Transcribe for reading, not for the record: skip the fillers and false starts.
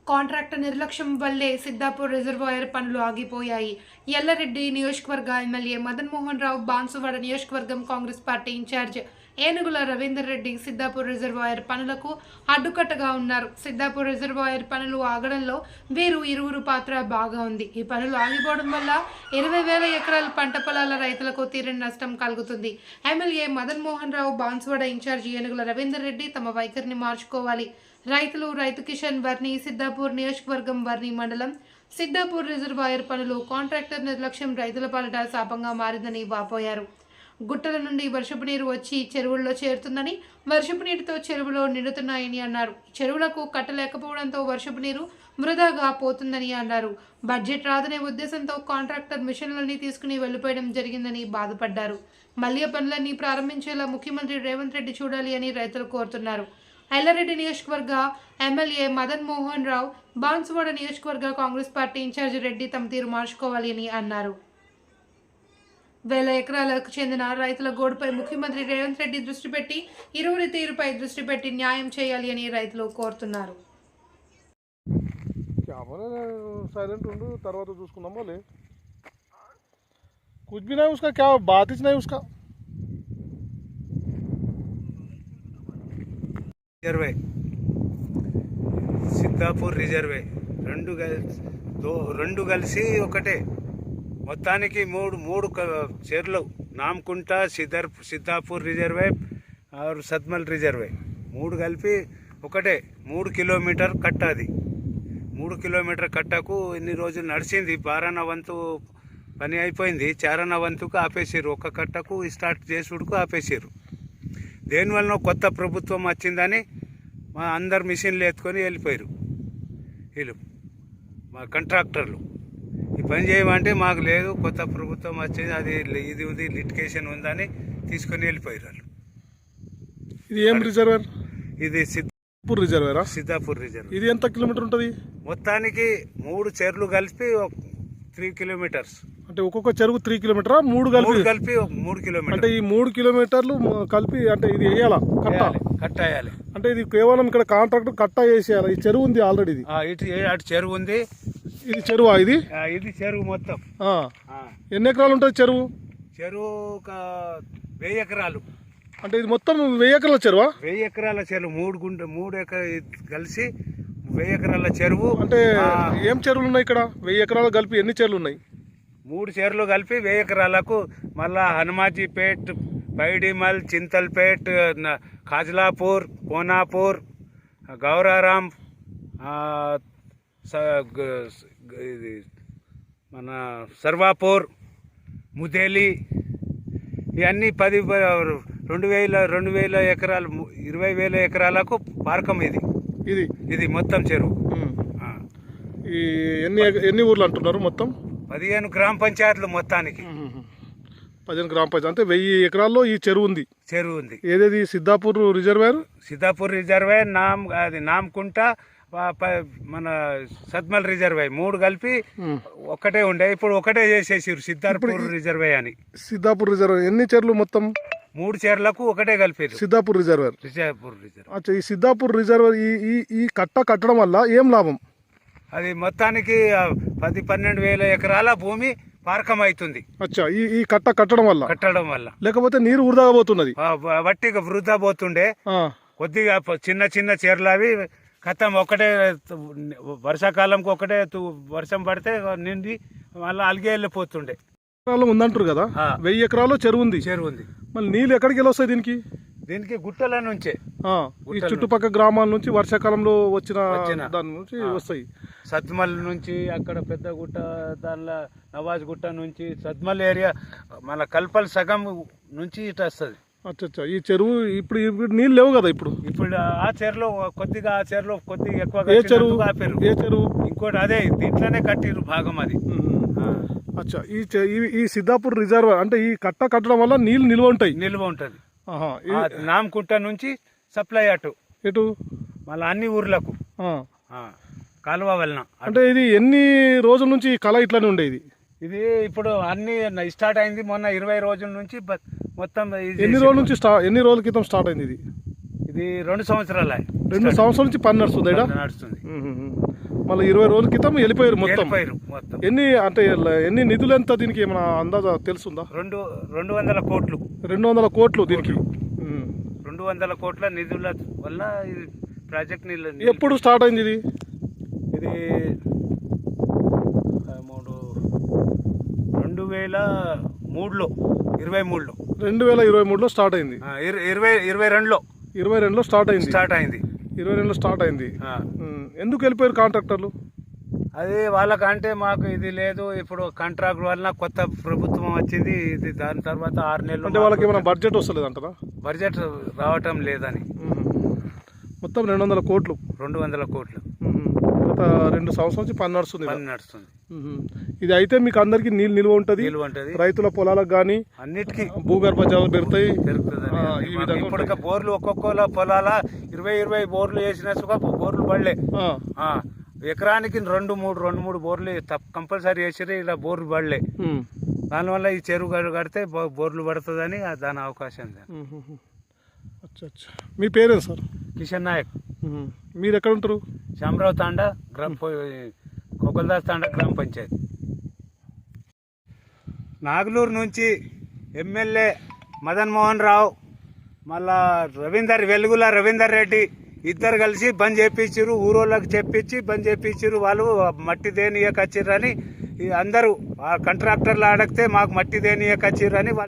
Contractor నిర్లక్ష్యం వల్లే Siddhapur reservoir పనులు ఆగిపోయాయి. ఎల్లారెడ్డి నియోజకవర్గ ఎమ్మెల్యే మదన్ మోహన్ రావు, బాన్సువాడ నియోజకవర్గం Congress party incharge Enugula Ravinder Reddy Siddhapur reservoir పనులకు అడ్డుకట్టగా ఉన్నారు. సిద్ధాపూర్ రిజర్వాయర్ పనులు ఆగడంలో ఇరువురు పాత్ర బాగా ఉంది. ఈ పనులు ఆగిపోవడం వల్ల 20,000 ఎకరాల పంట పొలాల రైతులకు తీరని నష్టం కలుగుతుంది. ఎమ్మెల్యే మదన్ మోహన్ రావు, బాన్సువాడ ఇన్ఛార్జ్ ఏనుగుల రవీందర్ రెడ్డి తమ వైఖరిని మార్చుకోవాలి. రైతు కిషన్ వర్ణి, సిద్ధాపూర్ నియోజకవర్గం వర్ణి మండలం సిద్ధాపూర్ రిజర్వాయర్ పనులు కాంట్రాక్టర్ నిర్లక్ష్యం రైతుల పాలిట శాపంగా మారిందని వాపోయారు. గుట్టల నుండి వర్షపు నీరు వచ్చి చెరువుల్లో చేరుతుందని, వర్షపు నీటితో చెరువులో నిండుతున్నాయని అన్నారు. చెరువులకు కట్టలేకపోవడంతో వర్షపు నీరు వృధాగా పోతుందని అన్నారు. బడ్జెట్ రాదనే ఉద్దేశంతో కాంట్రాక్టర్ మిషన్లన్నీ తీసుకుని వెళ్లిపోయడం జరిగిందని బాధపడ్డారు. మళ్లీ పనులన్నీ ప్రారంభించేలా ముఖ్యమంత్రి రేవంత్ రెడ్డి చూడాలి అని రైతులు కోరుతున్నారు. ఎల్లారెడ్డి నియోజకవర్గ ఎమ్మెల్యే మదన్ మోహన్ రావు, బాన్సువాడ నియోజకవర్గ కాంగ్రెస్ పార్టీ ఇన్ఛార్జి రెడ్డి తమ తీరు మార్చుకోవాలి అని అన్నారు. 1,000 ఎకరాలకు చెందిన రైతుల గోడుపై ముఖ్యమంత్రి రేవంత్ రెడ్డి దృష్టి పెట్టి ఇరువురి తీరుపై దృష్టి పెట్టి న్యాయం చేయాలి అని రైతులు కోరుతున్నారు. साइलेंट ఉండు తర్వాత చూసుకుందాం बोले कुछ भी नहीं उसका क्या बात ही नहीं उसका రిజర్వే సిద్ధాపూర్ రిజర్వే రెండు కలిసి ఒకటే మొత్తానికి మూడు చెర్లు నామకుంట సిద్ధాపూర్ రిజర్వే సద్మల్ రిజర్వే మూడు కలిపి ఒకటే 3 కిలోమీటర్ కట్ట. అది 3 కిలోమీటర్ కట్టకు ఇన్ని రోజులు నడిచింది. 12వ వంతు పని అయిపోయింది. 4వ వంతుకు ఆపేసారు. ఒక కట్టకు స్టార్ట్ చేసుడుకు ఆపేసారు. దేనివల్ల కొత్త ప్రభుత్వం వచ్చిందని మా అందరు మిషన్లు ఎత్తుకొని వెళ్ళిపోయారు. వీళ్ళు మా కాంట్రాక్టర్లు ఈ పని చేయమంటే మాకు లేదు, కొత్త ప్రభుత్వం వచ్చింది, అది ఇది ఉంది, లిటికేషన్ ఉందని తీసుకొని వెళ్ళిపోయారు వాళ్ళు. ఇది ఏం రిజర్వేర్? ఇది సిద్ధాపూర్ రిజర్వేరా? సిద్ధాపూర్ రిజర్వ్. ఇది ఎంత కిలోమీటర్ ఉంటుంది? మొత్తానికి 3 చెర్లు కలిపి 3 కిలోమీటర్స్. అంటే ఒక్కొక్క చెరువు 3 కిలోమీటరా? 3 కలిపి 3 కిలోమీటర్. అంటే ఈ 3 కిలోమీటర్లు కలిపి అంటే ఇది వేయాలా? కట్ట వేయాలి. అంటే ఇది కేవలం ఇక్కడ కాంట్రాక్టర్ కట్ట వేసేయాలి. ఈ చెరువు ఉంది ఆల్రెడీ. ఇది అటు చెరువు ఉంది. ఇది చెరువా? ఇది చెరువు మొత్తం ఎన్ని ఎకరాలు ఉంటుంది చెరువు? చెరువు 1000 ఎకరాలు. అంటే ఇది మొత్తం 1000 ఎకరాల చెరువా? 1000 ఎకరాల చెరువు. 3 ఎకరాలు కలిసి 1000 ఎకరాల చెరువు. అంటే ఏం చెరువులు ఉన్నాయి ఇక్కడ? 1000 ఎకరాలు కలిపి ఎన్ని చెరువులు ఉన్నాయి? 3 చెరువులు కలిపి 1000 ఎకరాలకు. మళ్ళా హనుమాజీపేట్, పైడిమల్, చింతల్పేట్, ఖాజ్లాపూర్, కోనాపూర్, గౌరారాం, ఇది మన సర్వాపూర్, ముదేలి, ఇవన్నీ 2,000 ఎకరాలు, 20,000 ఎకరాలకు పార్కం ఇది మొత్తం చెరువు. ఈ ఎన్ని ఊర్లు అంటున్నారు మొత్తం? 15 గ్రామ పంచాయతీలు మొత్తానికి. 15 గ్రామ పంచాయతీ అంటే 1000 ఎకరాల్లో ఈ చెరువు ఉంది. ఏదేది? సిద్ధాపూర్ రిజర్వేర్, నామకుంట, మన సద్మల్ రిజర్వే 3 కలిపి ఒకటే ఉండే. ఇప్పుడు ఒకటే చేసేసారు సిద్ధాపూర్ రిజర్వే అని. సిద్ధాపూర్ రిజర్వే ఎన్ని చెర్లు మొత్తం? 3 చెర్లకు ఒకటే కలిపారు సిద్ధాపూర్ రిజర్వేర్. అచ్చా, ఈ సిద్ధాపూర్ రిజర్వేర్ ఈ కట్టడం వల్ల ఏం లాభం? అది మొత్తానికి 10-12 ఎకరాల భూమి పార్కం అవుతుంది. అచ్చా, ఈ కట్టడం వల్ల లేకపోతే నీరు వృధా పోతున్నది. వట్టిగా వృధా పోతుండే. కొద్దిగా చిన్న చెర్లు అవి కథం ఒకటే. వర్షాకాలంకి ఒకటే వర్షం పడితే నిండి మళ్ళీ అలిగే వెళ్ళిపోతుండే. ఉందంటారు కదా, 1000 ఎకరాల్లో చెరువు ఉంది. మళ్ళీ నీళ్ళు ఎక్కడికి వెళ్ళి వస్తాయి దీనికి? గుట్టల నుంచే, ఈ చుట్టుపక్కల గ్రామాల నుంచి వర్షాకాలంలో వచ్చిన దాని నుంచి వస్తాయి. సద్మల్ నుంచి, అక్కడ పెద్ద గుట్ట, దానిలో నవాజ్ గుట్ట నుంచి, సద్మల్ ఏరియా మన కల్పల్ సగం నుంచి ఇటు వస్తుంది. అచ్చా, ఈ చెరువు ఇప్పుడు నీళ్ళు లేవు కదా ఇప్పుడు ఆ చెరువులో కొద్దిగా ఎక్కువ. ఏ చెరువు? ఇంకోటి అదే దీంట్లోనే కట్టిరు భాగం అది. అచ్చా, ఈ సిద్ధాపూర్ రిజర్వ్ అంటే ఈ కట్టడం వల్ల నీళ్ళు నిల్వ ఉంటుంది. నామకుంట నుంచి సప్లై ఎటు మళ్ళీ అన్ని ఊర్లకు కాలువ వలన. అంటే ఇది ఎన్ని రోజుల నుంచి కళ ఇట్లానే ఉండేది? ఇది ఇప్పుడు అన్ని స్టార్ట్ అయింది మొన్న 20 రోజుల నుంచి మొత్తం. ఎన్ని రోజుల క్రితం స్టార్ట్ అయింది ఇది? ఇది 2 సంవత్సరాలు. 2 సంవత్సరాల నుంచి పని నడుస్తుంది ఈడ? నడుస్తుంది. మళ్ళీ 20 రోజుల క్రితం వెళ్ళిపోయారు మొత్తం. మొత్తం ఎన్ని నిధులు ఎంత దీనికి ఏమైనా అందాజా తెలుసుందా? 200 కోట్లు. 200 కోట్లు దీనికి. 200 కోట్ల నిధుల వల్ల ఇది ప్రాజెక్ట్ ఎప్పుడు స్టార్ట్ అయింది ఇది? ఇది 2023లో 2023లో స్టార్ట్ అయింది. 22లో స్టార్ట్ అయింది. 22లో స్టార్ట్ అయింది. ఎందుకు వెళ్ళిపోయారు కాంట్రాక్టర్లు? అది వాళ్ళకంటే మాకు ఇది లేదు, ఇప్పుడు కాంట్రాక్ట్ వల్ల కొత్త ప్రభుత్వం వచ్చింది, ఇది దాని తర్వాత 6 నెలలు అంటే వాళ్ళకి ఏమైనా బడ్జెట్ వస్తలేదు అంటారా? బడ్జెట్ రావటం లేదని. మొత్తం 200 కోట్లు. 200 కోట్లు. గత 2 సంవత్సరాల నుంచి పని నడుస్తుంది. ఇది అయితే మీకు అందరికి నీళ్ళు నిల్వ ఉంటుంది, రైతుల పొలాలకు కానీ అన్నిటికీ భూగర్భ జలాలు పెడతాయి. ఇప్పుడు బోర్లు ఒక్కొక్క పొలాల 20 బోర్లు వేసిన బోర్లు పడలే. ఎకరానికి 2-3 బోర్లు కంపల్సరీ వేసిరే, ఇలా బోర్లు పడలే. దానివల్ల ఈ చెరువు కడితే బోర్లు పడుతుందని దాని అవకాశం. మీ పేరేంటి సార్? కిషన్ నాయక్. మీరు ఎక్కడ ఉంటారు? శామరావు తాండా కొకల్దాస్ తాండా గ్రామ పంచాయతీ. నాగలూరు నుంచి ఎమ్మెల్యే మదన్ మోహన్ రావు, మళ్ళా వెలుగుల రవీందర్ రెడ్డి ఇద్దరు కలిసి బంద్ చేయించారు. ఊరోళ్ళకి చెప్పించి బంద్ చేయించారు. వాళ్ళు మట్టి దేనియకచ్చిర్రని అందరూ కాంట్రాక్టర్లు అడిగితే మాకు మట్టి దేనియకచ్చిర్రని